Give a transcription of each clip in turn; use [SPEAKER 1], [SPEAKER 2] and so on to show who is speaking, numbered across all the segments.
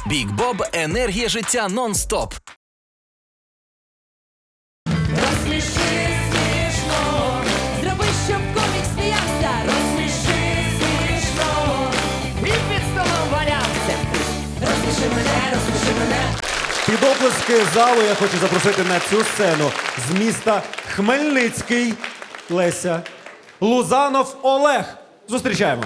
[SPEAKER 1] Бік Боб – енергія життя нон-стоп.
[SPEAKER 2] Розсміши смішно, зроби, щоб комік сміявся. Розсміши смішно, і під столом валявся. Розсміши мене.
[SPEAKER 3] Під оплески залу я хочу запросити на цю сцену з міста Хмельницький Леся Лузанов Олег. Зустрічаємо.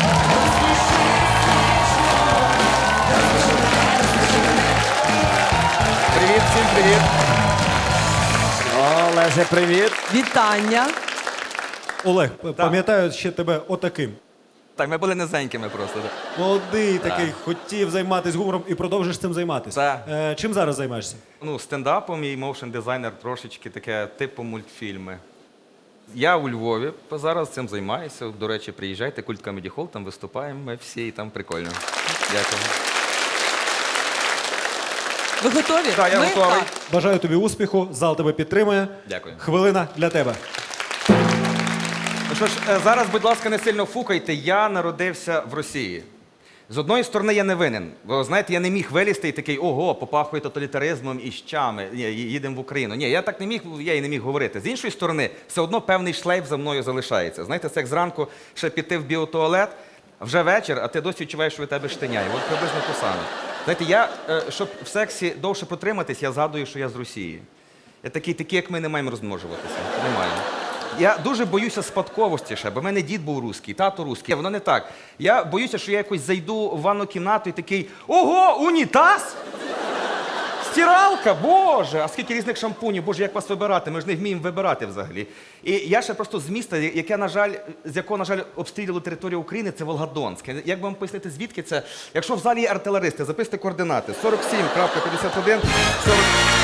[SPEAKER 4] Привіт, всім привіт. Олеже, привіт.
[SPEAKER 5] Вітання.
[SPEAKER 3] Олег, пам'ятаю ще тебе отаким.
[SPEAKER 4] Так, ми були низенькими просто.
[SPEAKER 3] Молодий такий, хотів займатися гумором і продовжиш цим займатися. Чим зараз займаєшся?
[SPEAKER 4] Ну, стендапом і моушн-дизайнер трошечки таке типу мультфільми. Я у Львові зараз цим займаюся. До речі, приїжджайте, Культ Comedy Hall, там виступаємо, ми всі, і там прикольно. Дякую.
[SPEAKER 5] Ви готові?
[SPEAKER 4] Так, я готовий.
[SPEAKER 3] Бажаю тобі успіху, зал тебе підтримує.
[SPEAKER 4] Дякую.
[SPEAKER 3] Хвилина для тебе.
[SPEAKER 4] Ну що ж, зараз, будь ласка, не сильно фукайте. Я народився в Росії. З одної сторони, я не винен. Бо, знаєте, я не міг вилізти і такий, ого, попахує тоталітаризмом і щами. Ні, їдемо в Україну. Ні, я так не міг, я і не міг говорити. З іншої сторони, все одно певний шлейф за мною залишається. Знаєте, це як зранку ще піти в біотуалет, вже вечір, а ти досі відчуваєш, що від тебе штиняє. От приблизно те саме. Знаєте, я, щоб в сексі довше протриматись, я згадую, що я з Росії. Я такий, як ми не маємо розмножуватися. Не маємо. Я дуже боюся спадковості ще, бо в мене дід був русський, тато русський. Воно не так. Я боюся, що я якось зайду в ванну кімнату і такий, ого, унітаз? Стиралка, боже, а скільки різних шампунів, боже, як вас вибирати, ми ж не вміємо вибирати взагалі. І я ще просто з міста, яке, на жаль, з якого, на жаль, обстрілювали територію України, це Волгодонськ. Як би вам пояснити, звідки це? Якщо в залі є артилеристи, записуйте координати. 47.51, 40...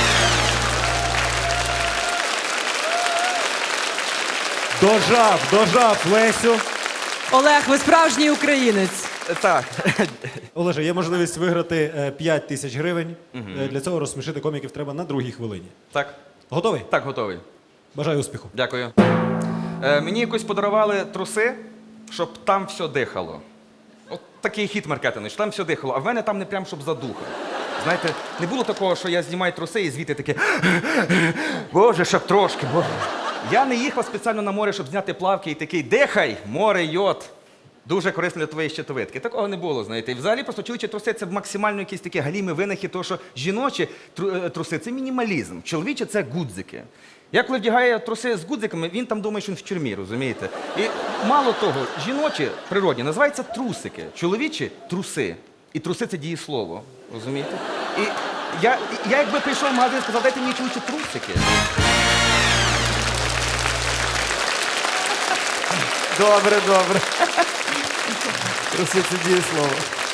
[SPEAKER 3] Дожав Лесю.
[SPEAKER 5] Олег, ви справжній українець.
[SPEAKER 4] Так.
[SPEAKER 3] Олеже, є можливість виграти 5 тисяч гривень. Для цього розсмішити коміків треба на другій хвилині.
[SPEAKER 4] Так.
[SPEAKER 3] Готовий?
[SPEAKER 4] Так, готовий.
[SPEAKER 3] Бажаю успіху.
[SPEAKER 4] Дякую. Мені якось подарували труси, щоб там все дихало. От такий хіт маркетинговий, що там все дихало, а в мене там не прям, щоб задуха. Знаєте, не було такого, що я знімаю труси і звідти таке, боже, щоб трошки, боже. Я не їхав спеціально на море, щоб зняти плавки і такий, дихай, море, йод. Дуже корисно для твоєї щитовидки. Такого не було, знаєте. І взагалі просто чоловічі труси – це максимально якісь такі галімі винахи, тому що жіночі труси – це мінімалізм, чоловічі – це гудзики. Я коли вдягаю труси з гудзиками, він там думає, що він в тюрмі, розумієте? І мало того, жіночі природні називаються трусики, чоловічі – труси. І труси – це дієслово, розумієте? І я якби прийшов в магазин і сказав, дайте мені чоловічі трусики.
[SPEAKER 6] Добре, добре. Труси – це дієслово.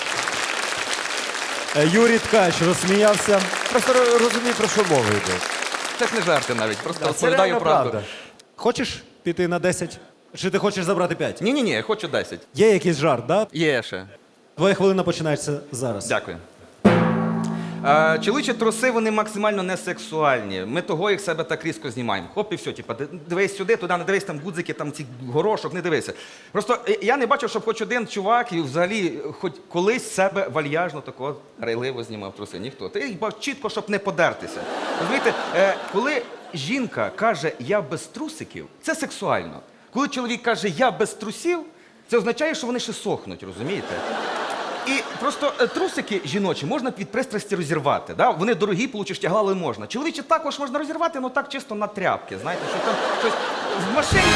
[SPEAKER 3] Юрій Ткач розсміявся.
[SPEAKER 6] Просто розумій, про що мова йде.
[SPEAKER 4] Це ж не жарти навіть, просто
[SPEAKER 6] Це
[SPEAKER 4] розповідаю
[SPEAKER 6] реально
[SPEAKER 4] правду.
[SPEAKER 6] правда.
[SPEAKER 3] Хочеш піти на 10? Чи ти хочеш забрати 5?
[SPEAKER 4] Ні, я хочу 10.
[SPEAKER 3] Є якийсь жарт, да?
[SPEAKER 4] Є ще.
[SPEAKER 3] Твоя хвилина починається зараз.
[SPEAKER 4] Дякую. Чоловічі труси, вони максимально несексуальні. Ми того їх себе так різко знімаємо. Хоп, і все, типу, дивись сюди, туди, не дивись, там гудзики, там ці горошок, не дивися. Просто я не бачив, щоб хоч один чувак і взагалі хоч колись себе вальяжно такого рейливо знімав труси. Ніхто. Ти їх бачив чітко, щоб не подертися. Розумієте, коли жінка каже «я без трусиків», це сексуально. Коли чоловік каже «я без трусів», це означає, що вони ще сохнуть, розумієте? І просто трусики жіночі можна від пристрасті розірвати. Да? Вони дорогі, получиш тягла, але можна. Чоловічі також можна розірвати, але так чисто на тряпки. Знаєте, що там щось в машині.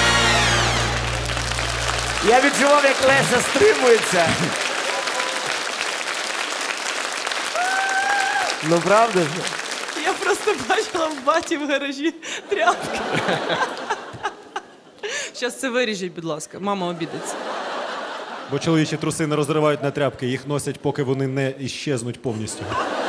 [SPEAKER 6] Я відчував, як Леся стримується. Ну, правда ж?
[SPEAKER 5] Я просто бачила в баті в гаражі тряпки. Зараз це виріжіть, будь ласка. Мама обідеться.
[SPEAKER 3] Бо чоловічі труси не розривають на тряпки, їх носять, поки вони не іщезнуть повністю.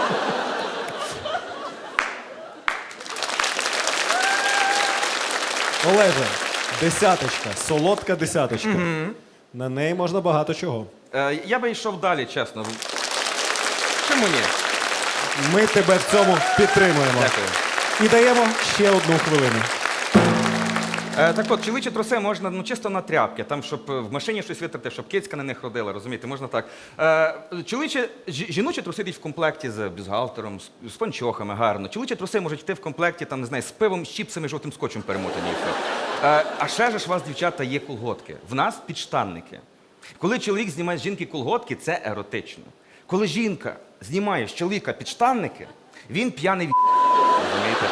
[SPEAKER 3] Олеже, десяточка, солодка десяточка. На неї можна багато чого.
[SPEAKER 4] Я би йшов далі, чесно. Чому ні?
[SPEAKER 3] Ми тебе в цьому підтримуємо.
[SPEAKER 4] Дякую.
[SPEAKER 3] І даємо ще одну хвилину.
[SPEAKER 4] Так от, чоловічі труси можна чисто на тряпки, там, щоб в машині щось витрати, щоб кицька на них ходила, розумієте, можна так. Жіночі труси йдуть в комплекті з бюстгальтером, з панчохами, гарно. Чоловічі труси можуть йти в комплекті, там, не знаю, з пивом, з чіпсами, жовтим скотчем перемотані і все. А ще ж у вас, дівчата, є колготки. В нас підштанники. Коли чоловік знімає з жінки колготки, це еротично. Коли жінка знімає з чоловіка підштанники, він п'яний в***. Розумієте?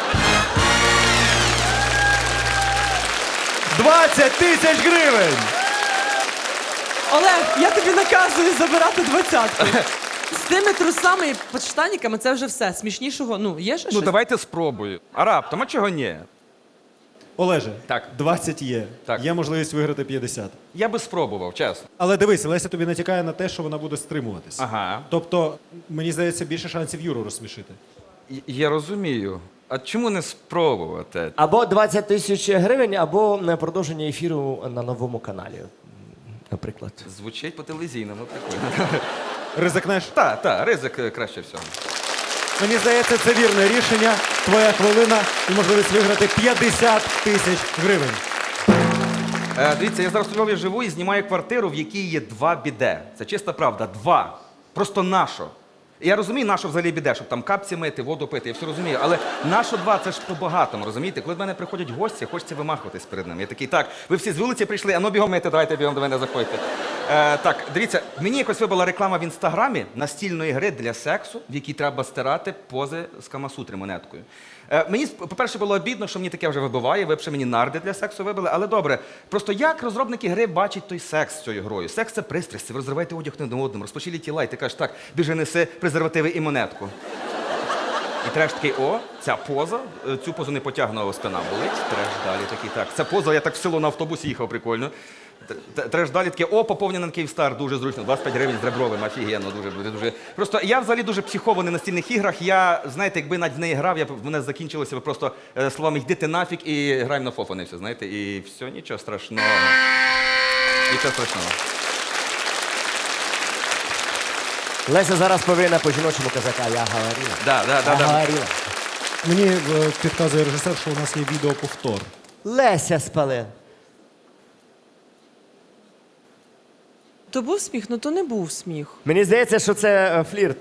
[SPEAKER 3] 20 тисяч гривень!
[SPEAKER 5] Олег, я тобі наказую забирати 20-ку. З тими трусами і подштанниками це вже все. Смішнішого, ну, є ще
[SPEAKER 4] Ну,
[SPEAKER 5] щось?
[SPEAKER 4] давайте спробую. А раптом, а чого ні?
[SPEAKER 3] Олеже,
[SPEAKER 4] Так.
[SPEAKER 3] 20 є.
[SPEAKER 4] Так.
[SPEAKER 3] Є можливість виграти 50.
[SPEAKER 4] Я би спробував, чесно.
[SPEAKER 3] Але дивись, Леся тобі натякає на те, що вона буде стримуватись.
[SPEAKER 4] Ага.
[SPEAKER 3] Тобто, мені здається, більше шансів Юру розсмішити.
[SPEAKER 4] Я розумію. А чому не спробувати?
[SPEAKER 6] Або 20 тисяч гривень, або продовження ефіру на новому каналі, наприклад.
[SPEAKER 4] Звучить по телевізійному, прикольно.
[SPEAKER 3] Ризикнеш?
[SPEAKER 4] Так, ризик краще всього.
[SPEAKER 3] Мені здається, це вірне рішення. Твоя хвилина і можливість виграти 50 тисяч гривень.
[SPEAKER 4] Дивіться, я зараз у Львові живу і знімаю квартиру, в якій є 2 біде. Це чиста правда, 2. Просто нашо. Я розумію, нащо взагалі біде, щоб там капці мити, воду пити, я все розумію. Але нащо 2, це ж по-багатому, розумієте? Коли до мене приходять гості, хочеться вимахуватись перед ними. Я такий, так, ви всі з вулиці прийшли, а ну бігом мити, давайте бігом до мене заходьте. Так, дивіться, мені якось вибила реклама в інстаграмі настільної гри для сексу, в якій треба стирати пози з Камасутри монеткою. Мені, по-перше, було обідно, що мені таке вже вибиває, ви б ще мені нарди для сексу вибили, але добре. Просто як розробники гри бачать той секс з цією грою? Секс – це пристрасть, ви розриваєте одяг один одному, розпочілі тіла, і ти кажеш, так, біжи неси презервативи і монетку. І треш такий, о, ця поза, цю позу не потягнула, спина болить, треш далі такий, так. Ця поза, я так в село на автобусі їхав, прикольно. Треш далі таке, о, поповнення на Київстар, дуже зручно, 25 гривень з ребровим, офігенно, дуже. Просто я взагалі дуже психований на настільних іграх, я, знаєте, якби навіть в неї грав, в мене закінчилося б просто словами «йди ти нафіг» і граємо на фофани, все, знаєте, і все, нічого страшного. Нічого страшного.
[SPEAKER 6] Леся зараз повинна по-жіночому казати, а я говорила.
[SPEAKER 4] Да.
[SPEAKER 6] Говорила.
[SPEAKER 3] Мені підказує режисер, що у нас є відеоповтор.
[SPEAKER 6] Леся спале.
[SPEAKER 5] То був сміх, ну то не був сміх.
[SPEAKER 6] Мені здається, що це флірт.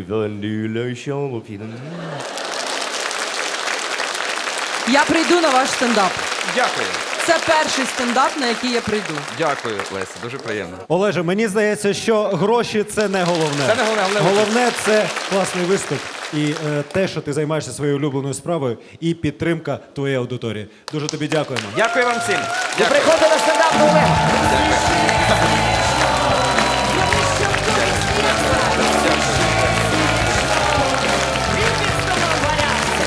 [SPEAKER 5] Я прийду на ваш стендап.
[SPEAKER 4] Дякую.
[SPEAKER 5] Це перший стендап, на який я прийду.
[SPEAKER 4] Дякую, Леся, дуже приємно.
[SPEAKER 3] Олеже, мені здається, що гроші це не головне.
[SPEAKER 4] Це не головне,
[SPEAKER 3] Головне це класний виступ і те, що ти займаєшся своєю улюбленою справою, і підтримка твоєї аудиторії. Дуже тобі дякуємо.
[SPEAKER 4] Дякую вам всім.
[SPEAKER 6] Ви приходите на стендап до Олега.
[SPEAKER 2] Зроби, щоб комік сміявся. І під столом валявся.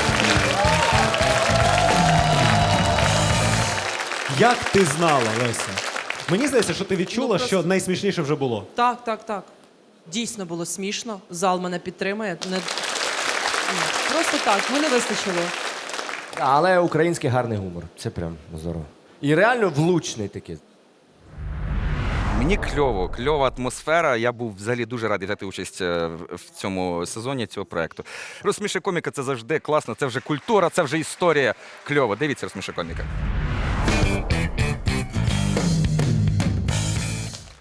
[SPEAKER 3] Як ти знала, Леся? Мені здається, що ти відчула,
[SPEAKER 5] Ну, просто-
[SPEAKER 3] що найсмішніше вже було.
[SPEAKER 5] Так. Дійсно було смішно. Зал мене підтримує. Просто так, мене вистачило.
[SPEAKER 6] Але український гарний гумор. Це прям здорово. І реально влучний такий.
[SPEAKER 4] Мені кльова атмосфера. Я був взагалі дуже радий взяти участь в цьому сезоні цього проекту. Розсміши коміка це завжди класно, це вже культура, це вже історія. Кльово. Дивіться, розсміши коміка.